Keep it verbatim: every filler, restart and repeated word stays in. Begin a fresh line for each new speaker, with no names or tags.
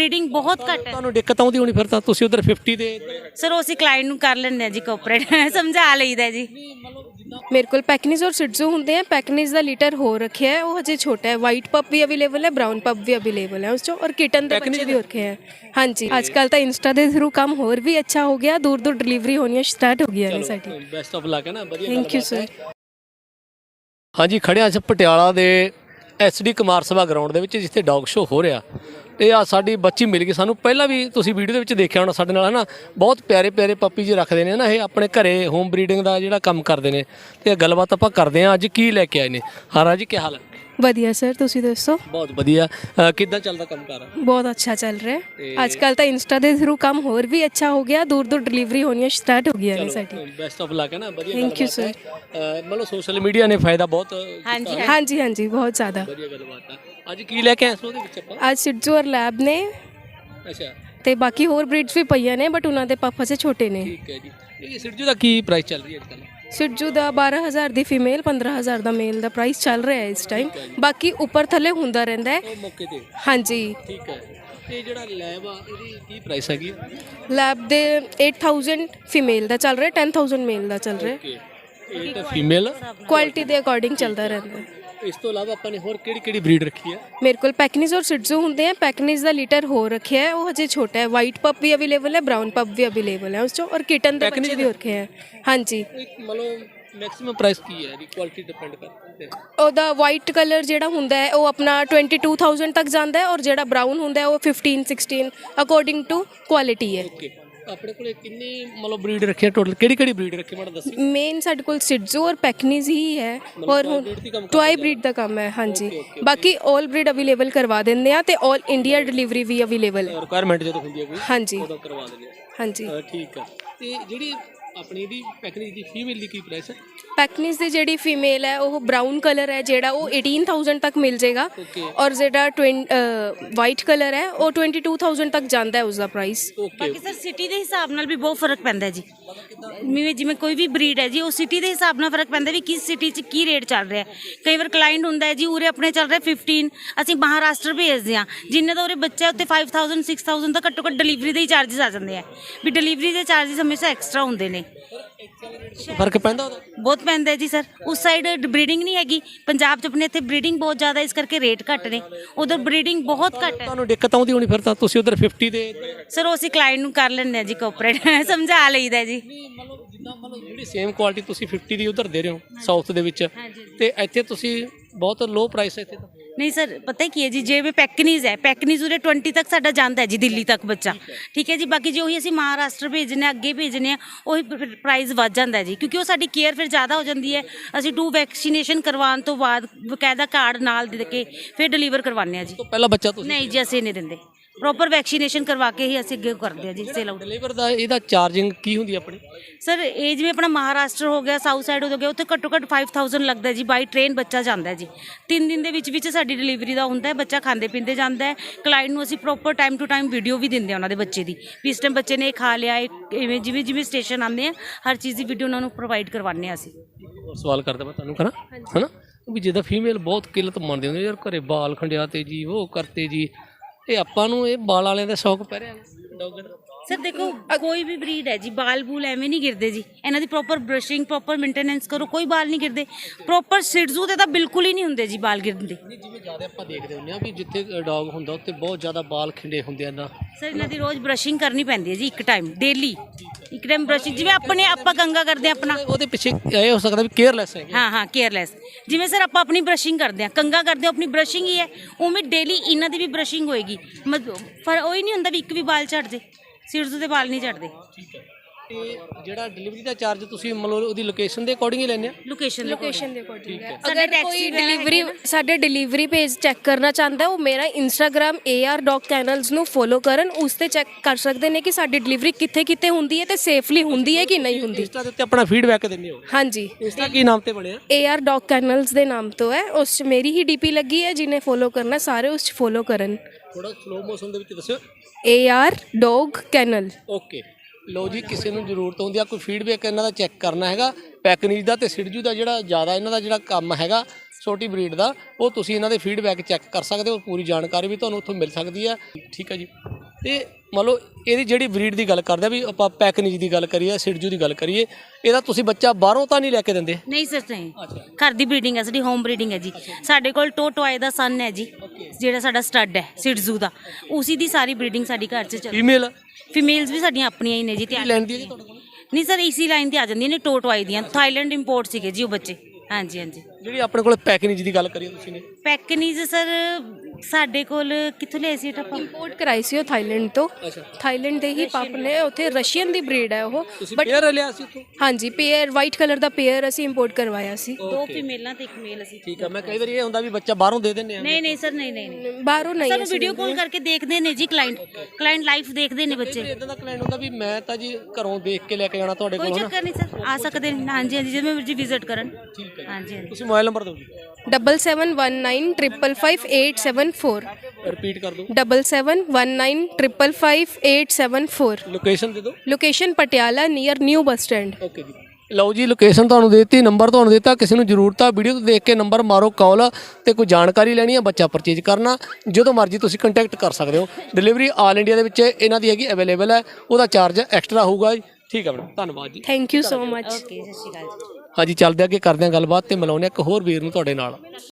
Breeding बहुत घट है।
ਤੁਹਾਨੂੰ ਦਿੱਕਤ ਆਉਂਦੀ ਹੋਣੀ ਫਿਰ ਤਾਂ ਤੁਸੀਂ ਉਧਰ फिफ्टी ਦੇ
सर उस क्लाइंट ਨੂੰ ਕਰ ਲੈਂਦੇ ਆ ਜੀ ਕੋਆਪਰੇਟ ਸਮਝਾ ਲਈਦਾ ਜੀ।
मेरे को पैकनीज और सिड्जू होंगे हैं। पैकनीज का लीटर हो रखे है, वो हजे छोटा है। वाइट पप भी अवेलेबल है, ब्राउन पप भी अवेलेबल है उस चो, और किटन के बच्चे भी हो रखे हैं। हाँ जी, आजकल तो इंस्टा के थ्रू काम होर भी अच्छा हो गया, दूर दूर डिलीवरी होनी स्टार्ट हो गई है साडी।
ਬੈਸਟ ਆਫ ਲੱਕ ਹੈ ਨਾ, ਵਧੀਆ
थैंक यू सर।
ਹਾਂਜੀ ਖੜੇ ਹਾਂ ਅਸੀਂ ਪਟਿਆਲਾ ਦੇ ਐਸਡੀ ਕੁਮਾਰ ਸਭਾ ਗਰਾਊਂਡ ਦੇ ਵਿੱਚ ਜਿੱਥੇ ਡੌਗ ਸ਼ੋ ਹੋ ਰਿਹਾ ਤੇ ਆ ਸਾਡੀ ਬੱਚੀ ਮਿਲ ਗਈ ਸਾਨੂੰ। ਪਹਿਲਾਂ ਵੀ ਤੁਸੀਂ ਵੀਡੀਓ ਦੇ ਵਿੱਚ ਦੇਖਿਆ ਹੋਣਾ ਸਾਡੇ ਨਾਲ ਹੈ ਨਾ, ਬਹੁਤ ਪਿਆਰੇ ਪਿਆਰੇ ਪੱਪੀ ਜੀ ਰੱਖਦੇ ਨੇ ਨਾ ਇਹ ਆਪਣੇ ਘਰੇ ਹੋਮ ਬਰੀਡਿੰਗ ਦਾ ਜਿਹੜਾ ਕੰਮ ਕਰਦੇ ਨੇ ਤੇ ਗੱਲਬਾਤ ਆਪਾਂ ਕਰਦੇ ਹਾਂ ਅੱਜ ਕੀ ਲੈ ਕੇ ਆਏ ਨੇ। ਹਾਂ ਜੀ ਕੀ ਹਾਲ ਹੈ?
ਵਧੀਆ ਸਰ, ਤੁਸੀਂ ਦੱਸੋ?
ਬਹੁਤ ਵਧੀਆ। ਅ, ਕਿੱਦਾਂ ਚੱਲਦਾ ਕੰਮ ਕਾਰ?
बहुत अच्छा चल रहा है। आजकल तो इंस्टा के थ्रू काम होर भी अच्छा हो गया, दूर दूर डिलीवरी होनी स्टार्ट हो गई है साडी।
ਬੈਸਟ ਆਫ ਲੱਕ ਹੈ ਨਾ, ਵਧੀਆ।
Thank you sir.
ਮਤਲਬ ਸੋਸ਼ਲ ਮੀਡੀਆ ਨੇ ਫਾਇਦਾ ਬਹੁਤ
हाँ जी
हाँ जी हाँ जी, बहुत ज़्यादा।
ਵਧੀਆ ਗੱਲਬਾਤ ਹੈ। ਅੱਜ ਕੀ ਲੈ ਕੇ ਆਏ ਸੋ ਉਹਦੇ ਵਿੱਚ ਆਪਾਂ?
आज सिड्जू और लैब ने
ਅੱਛਾ
ਤੇ ਬਾਕੀ ਹੋਰ ਬਰੀਡਸ ਵੀ ਪਈਆਂ ਨੇ, ਬਟ ਉਹਨਾਂ ਦੇ ਪਾਪਾ ਸੇ ਛੋਟੇ ਨੇ।
ਠੀਕ ਹੈ ਜੀ। ਇਹ ਸਿਰਜੂ ਦਾ ਕੀ ਪ੍ਰਾਈਸ ਚੱਲ ਰਹੀ ਹੈ ਅੱਜ ਕੱਲ੍ਹ?
ਸਿੱਜੂ ਦਾ ਬਾਰਾਂ ਹਜ਼ਾਰ ਦੀ ਫੀਮੇਲ, ਪੰਦਰਾਂ ਹਜ਼ਾਰ ਦਾ ਮੇਲ ਦਾ ਪ੍ਰਾਈਸ ਚੱਲ ਰਿਹਾ ਹੈ ਇਸ ਟਾਈਮ। ਬਾਕੀ ਉੱਪਰ ਥੱਲੇ ਹੁੰਦਾ ਰਹਿੰਦਾ ਹੈ।
ਉਹ ਮੌਕੇ ਤੇ
ਹਾਂਜੀ।
ਠੀਕ ਹੈ। ਤੇ ਜਿਹੜਾ ਲੈਬ ਆ ਇਹਦੀ ਕੀ ਪ੍ਰਾਈਸ ਹੈਗੀ?
ਲੈਬ ਦੇ ਅੱਠ ਹਜ਼ਾਰ ਫੀਮੇਲ ਦਾ ਚੱਲ ਰਿਹਾ, ਦਸ ਹਜ਼ਾਰ ਮੇਲ ਦਾ ਚੱਲ ਰਿਹਾ।
ਓਕੇ। ਇਹ ਤਾਂ ਫੀਮੇਲ
ਕੁਆਲਿਟੀ ਦੇ ਅਕੋਰਡਿੰਗ ਚੱਲਦਾ ਰਹਿੰਦਾ ਹੈ।
ਇਸ ਤੋਂ ਇਲਾਵਾ ਆਪਾਂ ਨੇ ਹੋਰ ਕਿਹੜੀ ਕਿਹੜੀ ਬਰੀਡ ਰੱਖੀ ਹੈ?
ਮੇਰੇ ਕੋਲ ਪੈਕਨੀਜ਼ ਔਰ ਸਿੱਜੂ ਹੁੰਦੇ हैं। पैकनीज का लीटर हो रखे है, वो हजे छोटा है। वाइट पप भी अवेलेबल है, ब्राउन पप भी अवेलेबल है उस चो, और किटन के बच्चे भी हो रखे हैं। हाँ जी।
ਮਤਲਬ ਮੈਕਸਿਮਮ ਪ੍ਰਾਈਸ ਕੀ ਹੈ? ਇਹਦੀ ਕੁਆਲਿਟੀ ਡਿਪੈਂਡ ਕਰਦੀ ਹੈ।
ਉਹਦਾ ਵਾਈਟ ਕਲਰ ਜਿਹੜਾ ਹੁੰਦਾ ਹੈ ਉਹ ਆਪਣਾ ਬਾਈ ਹਜ਼ਾਰ ਤੱਕ ਜਾਂਦਾ ਹੈ, ਔਰ ਜਿਹੜਾ ਬਰਾਊਨ ਹੁੰਦਾ ਹੈ ਉਹ ਪੰਦਰਾਂ ਸੋਲ੍ਹਾਂ ਅਕੋਰਡਿੰਗ ਟੂ ਕੁਆਲਿਟੀ ਹੈ।
ਓਕੇ। ਆਪਣੇ ਕੋਲੇ ਕਿੰਨੀ ਮਤਲਬ ਬਰੀਡ ਰੱਖੀ ਹੈ ਟੋਟਲ? ਕਿਹੜੀ ਕਿਹੜੀ ਬਰੀਡ ਰੱਖੀ ਮੈਨੂੰ ਦੱਸੀ।
ਮੇਨ ਸਾਡੇ ਕੋਲ ਸਿੱਜੂ ਔਰ ਪੈਕਨੀਜ਼ ਹੀ ਹੈ, ਔਰ ਹੁਣ ਟੁਆਈ ਬਰੀਡ ਦਾ ਕੰਮ ਹੈ। ਹਾਂਜੀ, ਬਾਕੀ ਆਲ ਬਰੀਡ ਅਵੇਲੇਬਲ ਕਰਵਾ ਦਿੰਦੇ ਆ ਤੇ ਆਲ ਇੰਡੀਆ ਡਿਲੀਵਰੀ ਵੀ ਅਵੇਲੇਬਲ ਹੈ।
ਰਿਕੁਆਇਰਮੈਂਟ ਜਦੋਂ ਹੁੰਦੀ ਹੈ ਕੋਈ
ਹਾਂਜੀ
ਉਦੋਂ ਕਰਵਾ ਦਿੰਦੇ ਆ।
ਹਾਂਜੀ।
ਅ, ਠੀਕ ਹੈ। ਤੇ ਜਿਹੜੀ ਆਪਣੀ ਦੀ ਪੈਕੇਜ ਦੀ ਫੀਮੇਲ ਦੀ ਕੀ ਪ੍ਰਾਈਸ ਹੈ?
ਪੈਕਨੀਜ਼ ਦੀ ਜਿਹੜੀ ਫੀਮੇਲ ਹੈ ਉਹ ਬਰਾਊਨ ਕਲਰ ਹੈ, ਜਿਹੜਾ ਉਹ ਅਠਾਰਾਂ ਹਜ਼ਾਰ ਤੱਕ ਮਿਲ ਜਾਏਗਾ, ਔਰ ਜਿਹੜਾ ਵਾਈਟ ਕਲਰ ਹੈ ਉਹ ਬਾਈ ਹਜ਼ਾਰ ਤੱਕ ਜਾਂਦਾ ਹੈ ਉਸਦਾ ਪ੍ਰਾਈਸ।
ਬਾਕੀ ਸਰ ਸਿਟੀ ਦੇ ਹਿਸਾਬ ਨਾਲ ਵੀ ਬਹੁਤ ਫਰਕ ਪੈਂਦਾ ਜੀ। ਜਿਵੇਂ ਜਿਵੇਂ ਕੋਈ ਵੀ ਬਰੀਡ ਹੈ ਜੀ, ਉਹ ਸਿਟੀ ਦੇ ਹਿਸਾਬ ਨਾਲ ਫਰਕ ਪੈਂਦਾ ਵੀ ਕਿਸ ਸਿਟੀ 'ਚ ਕੀ ਰੇਟ ਚੱਲ ਰਿਹਾ। ਕਈ ਵਾਰ ਕਲਾਇੰਟ ਹੁੰਦਾ ਹੈ ਜੀ ਉਰੇ ਆਪਣੇ ਚੱਲ ਰਿਹਾ ਪੰਦਰਾਂ, ਅਸੀਂ ਮਹਾਰਾਸ਼ਟਰ ਭੇਜਦੇ ਹਾਂ, ਜਿੰਨੇ ਦਾ ਉਰੇ ਬੱਚਾ ਉੱਤੇ ਪੰਜ ਹਜ਼ਾਰ ਛੇ ਹਜ਼ਾਰ ਦਾ ਘੱਟੋ ਘੱਟ ਡਿਲੀਵਰੀ ਦੇ ਹੀ ਚਾਰਜਸ ਆ ਜਾਂਦੇ ਆ। ਵੀ ਡਿਲੀਵਰੀ ਦੇ ਚਾਰਜਸ ਹਮੇਸ਼ਾ ਐਕਸਟਰਾ ਹੁੰਦੇ ਨੇ।
ਫਰਕ ਪੈਂਦਾ ਉਹਦਾ?
ਬਹੁਤ ਪੈਂਦਾ ਜੀ ਸਰ। ਉਸ ਸਾਈਡ ਬਰੀਡਿੰਗ ਨਹੀਂ ਹੈਗੀ, ਪੰਜਾਬ 'ਚ ਆਪਣੇ ਇੱਥੇ ਬਰੀਡਿੰਗ ਬਹੁਤ ਜ਼ਿਆਦਾ, ਇਸ ਕਰਕੇ ਰੇਟ ਘੱਟ ਨੇ। ਉਧਰ ਬਰੀਡਿੰਗ ਬਹੁਤ ਘੱਟ ਹੈ।
ਤੁਹਾਨੂੰ ਦਿੱਕਤ ਆਉਂਦੀ ਹੋਣੀ ਫਿਰ ਤਾਂ ਤੁਸੀਂ ਉਧਰ ਫਿਫਟੀ ਦੇ?
ਸਰ ਉਹ ਅਸੀਂ ਕਲਾਇੰਟ ਨੂੰ ਕਰ ਲੈਂਦੇ ਆ ਜੀ ਕੋਆਪਰੇਟ ਸਮਝਾ ਲਈਦਾ ਜੀ।
ਮਤਲਬ ਜਿੱਦਾਂ ਮਤਲਬ ਜਿਹੜੀ ਸੇਮ ਕੁਆਲਿਟੀ ਤੁਸੀਂ ਫਿਫਟੀ ਦੀ ਉਧਰ ਦੇ ਰਹੇ ਹੋ ਸਾਊਥ ਦੇ ਵਿੱਚ, ਤੇ ਇੱਥੇ ਤੁਸੀਂ ਬਹੁਤ ਲੋ ਪ੍ਰਾਈਸ ਹੈ ਇੱਥੇ ਤਾਂ?
ਨਹੀਂ ਸਰ, ਪਤਾ ਕੀ ਹੈ ਜੀ, ਜਿਵੇਂ ਪੈਕਨੀਜ਼ ਹੈ, ਪੈਕਨੀਜ਼ ਉਰੇ ਵੀਹ ਤੱਕ ਸਾਡਾ ਜਾਂਦਾ ਹੈ ਜੀ, ਦਿੱਲੀ ਤੱਕ ਬੱਚਾ। ਠੀਕ ਹੈ ਜੀ। ਬਾਕੀ ਜੇ ਉਹੀ ਅਸੀਂ ਮਹਾਰਾਸ਼ਟਰ ਭੇਜਨੇ ਅੱਗੇ ਭੇਜਨੇ ਆ, ਉਹੀ ਪ੍ਰਾਈਸ ਵੱਧ ਜਾਂਦਾ ਜੀ, ਕਿਉਂਕਿ ਉਹ ਸਾਡੀ ਕੇਅਰ ਫਿਰ ਜ਼ਿਆਦਾ ਹੋ ਜਾਂਦੀ ਹੈ। ਅਸੀਂ ਟੂ ਵੈਕਸੀਨੇਸ਼ਨ ਕਰਵਾਉਣ ਤੋਂ ਬਾਅਦ ਬਕਾਇਦਾ ਕਾਰਡ ਨਾਲ ਦੇ ਕੇ ਫਿਰ ਡਿਲੀਵਰ ਕਰਵਾਉਂਦੇ ਆ ਜੀ।
ਪਹਿਲਾ ਬੱਚਾ ਤੁਸੀਂ?
ਨਹੀਂ ਜੀ, ਅਸੀਂ ਨਹੀਂ ਦਿੰਦੇ। ਪ੍ਰੋਪਰ ਵੈਕਸੀਨੇਸ਼ਨ ਕਰਵਾ ਕੇ ਹੀ ਅਸੀਂ ਅੱਗੇ ਕਰਦੇ ਆ ਜੀ ਸੇਲ ਆਊਟ।
ਡਿਲੀਵਰ ਦਾ ਇਹਦਾ ਚਾਰਜਿੰਗ ਕੀ ਹੁੰਦੀ ਆਪਣੀ?
ਸਰ ਇਹ ਜਿਵੇਂ ਆਪਣਾ ਮਹਾਰਾਸ਼ਟਰ ਹੋ ਗਿਆ, ਸਾਊਥ ਸਾਈਡ ਹੋ ਗਿਆ, ਉੱਥੇ ਘੱਟੋ ਘੱਟ ਪੰਜ ਹਜ਼ਾਰ ਲੱਗਦਾ ਜੀ। ਬਾਈ ਟ੍ਰੇਨ ਬੱਚਾ ਜਾਂਦਾ ਜੀ। ਤਿੰਨ ਦਿਨ ਦੇ ਵਿੱਚ ਵਿੱਚ ਸਾਡੀ ਡਿਲੀਵਰੀ ਦਾ ਹੁੰਦਾ ਹੈ। ਬੱਚਾ ਖਾਂਦੇ ਪੀਂਦੇ ਜਾਂਦਾ ਹੈ। ਕਲਾਇੰਟ ਨੂੰ ਅਸੀਂ proper time to time video ਵੀ ਦਿੰਦੇ ਆ ਉਹਨਾਂ ਦੇ ਬੱਚੇ ਦੀ, ਵੀ ਇਸ ਟਾਈਮ ਬੱਚੇ ਨੇ ਇਹ ਖਾ ਲਿਆ, ਇਵੇਂ ਜਿਵੇਂ ਜਿਵੇਂ ਸਟੇਸ਼ਨ ਆਉਂਦੇ ਆ ਹਰ ਚੀਜ਼ ਦੀ ਵੀਡੀਓ ਉਹਨਾਂ ਨੂੰ ਪ੍ਰੋਵਾਈਡ ਕਰਵਾਉਂਦੇ ਹਾਂ ਅਸੀਂ।
ਸਵਾਲ ਕਰਦਾ ਮੈਂ ਤੁਹਾਨੂੰ ਕਰਾਂ ਹੈ ਨਾ, ਵੀ ਜਿੱਦਾਂ ਫੀਮੇਲ ਬਹੁਤ ਕਿੱਲਤ ਮੰਨਦੇ ਹੁੰਦੇ ਯਾਰ, ਘਰੇ ਬਾਲ ਖੰਡਿਆ ਤੇ ਜੀ ਉਹ ਕਰਤੇ ਜੀ, ਇਹ ਆਪਾਂ ਨੂੰ ਇਹ ਬਾਲ ਵਾਲਿਆਂ ਦਾ ਸ਼ੌਕ ਪੈ ਰਿਹਾ ਡੌਗ ਦਾ? ਸਰ ਦੇਖੋ, ਕੋਈ ਵੀ ਬਰੀਡ ਹੈ ਜੀ, ਬਾਲ ਬੂਲ ਐਵੇਂ ਨਹੀਂ ਗਿਰਦੇ ਜੀ। ਇਹਨਾਂ ਦੀ ਪ੍ਰੋਪਰ ਬਰਸ਼ਿੰਗ, ਪ੍ਰੋਪਰ ਮੇਨਟੇਨੈਂਸ ਕਰੋ, ਕੋਈ ਬਾਲ ਨਹੀਂ ਗਿਰਦੇ। ਪ੍ਰੋਪਰ ਸਿਡਜ਼ੂ ਤੇ ਤਾਂ ਬਿਲਕੁਲ ਹੀ ਨਹੀਂ ਹੁੰਦੇ ਜੀ ਬਾਲ ਗਿਰਦੇ। ਜਿਵੇਂ ਜ਼ਿਆਦਾ ਆਪਾਂ ਦੇਖਦੇ ਹੁੰਦੇ ਆ ਵੀ ਜਿੱਥੇ ਡੌਗ ਹੁੰਦਾ ਉੱਥੇ ਬਹੁਤ ਜ਼ਿਆਦਾ ਬਾਲ ਖਿੰਡੇ ਹੁੰਦੇ ਆ।
ਸਰ ਇਹਨਾਂ ਦੀ ਰੋਜ਼ ਬਰਸ਼ਿੰਗ ਕਰਨੀ ਪੈਂਦੀ ਹੈ ਜੀ, ਇੱਕ ਟਾਈਮ ਡੇਲੀ ਇੱਕ ਟਾਈਮ ਬਰਸ਼ਿੰਗ। ਜਿਵੇਂ ਆਪਣੇ ਆਪਾਂ ਕੰਗਾ ਕਰਦੇ ਆ ਆਪਣਾ,
ਉਹਦੇ ਪਿੱਛੇ ਇਹ ਹੋ ਸਕਦਾ ਵੀ ਕੇਅਰਲੈਸ ਹੈ।
ਹਾਂ ਹਾਂ, ਕੇਅਰਲੈਸ। ਜਿਵੇਂ ਸਰ ਆਪਾਂ ਆਪਣੀ ਬਰਸ਼ਿੰਗ ਕਰਦੇ ਆ, ਕੰਗਾ ਕਰਦੇ ਆ, ਆਪਣੀ ਬਰਸ਼ਿੰਗ ਹੀ ਹੈ, ਉਵੇਂ ਡੇਲੀ ਇਹਨਾਂ ਦੀ ਵੀ ਬਰਸ਼ਿੰਗ ਹੋਏਗੀ। ਮਤਲਬ ਪਰ ਉਹ ਹੀ ਨਹੀਂ ਹੁੰਦਾ ਵੀ ਇੱਕ ਵੀ ਬਾਲ ਝੜਦੇ, ਸਿਰਜ਼ੂ ਦੇ ਬਾਲ ਨਹੀਂ ਝੜਦੇ।
ਠੀਕ ਹੈ। ਤੇ ਜਿਹੜਾ ਡਿਲੀਵਰੀ ਦਾ ਚਾਰਜ ਤੁਸੀਂ ਮਤਲਬ ਉਹਦੀ ਲੋਕੇਸ਼ਨ ਦੇ ਅਕੋਰਡਿੰਗ ਹੀ ਲੈਂਦੇ ਆ?
ਲੋਕੇਸ਼ਨ
ਲੋਕੇਸ਼ਨ ਦੇ ਅਕੋਰਡਿੰਗ ਹੈ।
ਸਾਡੇ
ਅਗਰ ਕੋਈ ਡਿਲੀਵਰੀ ਸਾਡੇ ਡਿਲੀਵਰੀ ਪੇਜ ਚੈੱਕ ਕਰਨਾ ਚਾਹੁੰਦਾ, ਉਹ ਮੇਰਾ Instagram A R dog kennels ਨੂੰ ਫੋਲੋ ਕਰਨ, ਉਸ ਤੇ ਚੈੱਕ ਕਰ ਸਕਦੇ ਨੇ ਕਿ ਸਾਡੀ ਡਿਲੀਵਰੀ ਕਿੱਥੇ ਕਿੱਥੇ ਹੁੰਦੀ ਹੈ ਤੇ ਸੇਫਲੀ ਹੁੰਦੀ ਹੈ ਕਿ ਨਹੀਂ ਹੁੰਦੀ।
ਇੰਸਟਾ ਦੇ ਉੱਤੇ ਆਪਣਾ ਫੀਡਬੈਕ ਦਿੰਦੇ ਹੋ?
ਹਾਂਜੀ।
ਇੰਸਟਾ ਕੀ ਨਾਮ ਤੇ ਬਣਿਆ?
ਏ ਆਰ ਡੌਗ ਕੈਨਲਸ ਦੇ ਨਾਮ ਤੋਂ ਹੈ। ਉਸ 'ਚ ਮੇਰੀ ਹੀ ਡੀਪੀ ਲੱਗੀ ਹੈ, ਜਿਹਨੇ ਫੋਲੋ ਕਰਨਾ ਸਾਰੇ ਉਸ 'ਚ ਫੋਲੋ ਕਰਨ।
ਥੋੜਾ ਸਲੋ ਮੋਸ਼ਨ ਦੇ ਵਿੱਚ ਦੱਸਿਓ।
A R dog kennel.
Okay. ਲੋ ਜੀ, ਕਿਸੇ ਨੂੰ ਜ਼ਰੂਰਤ ਹੁੰਦੀ ਆ ਕੋਈ ਫੀਡਬੈਕ ਇਹਨਾਂ ਦਾ ਚੈੱਕ ਕਰਨਾ ਹੈਗਾ, ਪੈਕਨੀਜ਼ ਦਾ ਤੇ ਸਿਡਜੂ ਦਾ ਜਿਹੜਾ ਜ਼ਿਆਦਾ ਇਹਨਾਂ ਦਾ ਜਿਹੜਾ ਕੰਮ ਹੈਗਾ ਛੋਟੀ ਬਰੀਡ ਦਾ, ਉਹ ਤੁਸੀਂ ਇਹਨਾਂ ਦੇ ਫੀਡਬੈਕ ਚੈੱਕ ਕਰ ਸਕਦੇ ਹੋ, ਪੂਰੀ ਜਾਣਕਾਰੀ ਵੀ ਤੁਹਾਨੂੰ ਉੱਥੋਂ ਮਿਲ ਸਕਦੀ ਹੈ। ਠੀਕ ਹੈ ਜੀ। ਤੇ ਮੰਨ ਲਓ ਇਹਦੀ ਜਿਹੜੀ ਬਰੀਡ ਦੀ ਗੱਲ ਕਰਦੇ ਆ, ਵੀ ਆਪਾਂ ਪੈਕਨਿਜ ਦੀ ਗੱਲ ਕਰੀਏ, ਸਿਡਜੂ ਦੀ ਗੱਲ ਕਰੀਏ, ਇਹਦਾ ਤੁਸੀਂ ਬੱਚਾ ਬਾਹਰੋਂ ਤਾਂ ਨਹੀਂ ਲੈ ਕੇ ਦਿੰਦੇ?
ਨਹੀਂ ਸਰ, ਨਹੀਂ, ਘਰ ਦੀ ਬਰੀਡਿੰਗ ਹੈ ਸਾਡੀ, ਹੋਮ ਬਰੀਡਿੰਗ ਹੈ ਜੀ। ਸਾਡੇ ਕੋਲ ਟੋਟੋਆਏ ਦਾ ਸਨ ਹੈ ਜੀ, ਜਿਹੜਾ ਸਾਡਾ ਸਟੱਡ ਹੈ ਸਿਡਜੂ ਦਾ, ਉਸੀ ਦੀ ਸਾਰੀ ਬਰੀਡਿੰਗ ਸਾਡੀ ਘਰ 'ਚ ਚੱਲ।
ਫੀਮੇਲ
ਫੀਮੇਲਸ ਵੀ ਸਾਡੀਆਂ ਆਪਣੀਆਂ ਹੀ ਨੇ ਜੀ। ਤਿਆਰ
ਲੈਂਦੀ ਹੈ ਜੀ ਤੁਹਾਡੇ ਕੋਲ?
ਨਹੀਂ ਸਰ, ਇਸੀ ਲਾਈਨ ਤੇ ਆ ਜਾਂਦੀਆਂ ਨੇ, ਟੋਟੋਆਏ ਦੀਆਂ, ਥਾਈਲੈਂਡ ਇੰਪੋਰਟ ਸੀਗੇ ਜੀ ਉਹ ਬੱਚੇ। ਹਾਂਜੀ ਹਾਂਜੀ।
ਜਿਹੜੀ ਆਪਣੇ ਕੋਲ ਪੈਕਨਿਜ ਦੀ ਗੱਲ ਕਰੀਏ ਤੁਸੀਂ ਨੇ?
ਪੈਕਨੀਜ਼ ਸਰ ਸਾਡੇ ਕੋਲ ਕਿੱਥੋਂ ਲਿਆਏ ਸੀ ਆਪਾਂ?
ਇੰਪੋਰਟ ਕਰਾਈ ਸੀ ਉਹ ਥਾਈਲੈਂਡ ਤੋਂ। ਥਾਈਲੈਂਡ ਦੇ ਹੀ ਪੱਪ ਨੇ, ਉੱਥੇ ਰਸ਼ੀਅਨ ਦੀ ਬਰੀਡ ਹੈ ਉਹ।
ਤੁਸੀਂ ਪੇਅਰ ਲਿਆ ਸੀ ਉੱਥੋਂ?
ਹਾਂਜੀ, ਪੇਅਰ ਵਾਈਟ ਕਲਰ ਦਾ ਪੇਅਰ ਅਸੀਂ ਇੰਪੋਰਟ ਕਰਵਾਇਆ ਸੀ।
ਦੋ ਫੀਮੇਲਾਂ ਤੇ ਇੱਕ ਮੇਲ ਅਸੀਂ।
ਠੀਕ ਆ। ਮੈਂ ਕਈ ਵਾਰੀ ਇਹ ਹੁੰਦਾ ਵੀ ਬੱਚਾ ਬਾਹਰੋਂ ਦੇ ਦਿੰਦੇ ਆ।
ਨਹੀਂ ਨਹੀਂ ਸਰ, ਨਹੀਂ ਨਹੀਂ ਨਹੀਂ।
ਬਾਹਰੋਂ ਨਹੀਂ,
ਸਾਨੂੰ ਵੀਡੀਓ ਕਾਲ ਕਰਕੇ ਦੇਖਦੇ ਨੇ ਜੀ ਕਲਾਇੰਟ, ਕਲਾਇੰਟ ਲਾਈਵ ਦੇਖਦੇ ਨੇ ਬੱਚੇ।
ਇਦਾਂ ਦਾ ਕਲਾਇੰਟ ਹੁੰਦਾ ਵੀ ਮੈਂ ਤਾਂ ਜੀ ਘਰੋਂ ਦੇਖ ਕੇ ਲੈ ਕੇ ਜਾਣਾ ਤੁਹਾਡੇ
ਕੋਈ
ਕੋਲ,
ਚੱਕਰ ਨਹੀਂ ਸਰ, ਆ ਸਕਦੇ ਨੇ। ਹਾਂਜੀ ਹਾਂਜੀ, ਜਿਵੇਂ ਮਰਜ਼ੀ ਵਿਜ਼ਿਟ ਕਰਨ।
ਠੀਕ ਹੈ।
ਹਾਂਜੀ ਹਾਂਜੀ।
ਤੁਸੀਂ ਮੋਬਾਈਲ ਨੰਬਰ ਦਿਓ ਜੀ।
Double seven one nine triple five eight seven four.
Repeat ਕਰ ਦਿਓ।
Double seven one nine triple five eight seven four.
Location ਦੇ ਦਿਓ।
Location Patiala near new bus stand.
Okay ਜੀ। ਲਓ ਜੀ, ਲੋਕੇਸ਼ਨ ਤੁਹਾਨੂੰ ਦੇ ਦਿੱਤੀ, ਨੰਬਰ ਤੁਹਾਨੂੰ ਦਿੱਤਾ, ਕਿਸੇ ਨੂੰ ਜ਼ਰੂਰਤ ਆ ਵੀਡੀਓ ਤੋਂ ਦੇਖ ਕੇ ਨੰਬਰ ਮਾਰੋ ਕਾਲ, ਤੇ ਕੋਈ ਜਾਣਕਾਰੀ ਲੈਣੀ ਹੈ, ਬੱਚਾ ਪਰਚੇਜ ਕਰਨਾ, ਜਦੋਂ ਮਰਜ਼ੀ ਤੁਸੀਂ ਕੰਟੈਕਟ ਕਰ ਸਕਦੇ ਹੋ। ਡਿਲੀਵਰੀ ਆਲ ਇੰਡੀਆ ਦੇ ਵਿੱਚ ਇਹਨਾਂ ਦੀ ਹੈਗੀ, ਅਵੇਲੇਬਲ ਹੈ, ਉਹਦਾ ਚਾਰਜ ਐਕਸਟਰਾ ਹੋਊਗਾ ਜੀ। ਠੀਕ ਹੈ ਮੈਡਮ, ਧੰਨਵਾਦ ਜੀ।
Thank you so much.
Okay, ਸਤਿ ਸ਼੍ਰੀ ਅਕਾਲ ਜੀ।
ਹਾਂਜੀ, ਚੱਲਦੇ ਅੱਗੇ ਕਰਦੇ ਹਾਂ ਗੱਲਬਾਤ ਤੇ ਮਿਲਾਉਂਦੇ ਹਾਂ ਇੱਕ ਹੋਰ ਵੀਰ ਨੂੰ ਤੁਹਾਡੇ ਨਾਲ।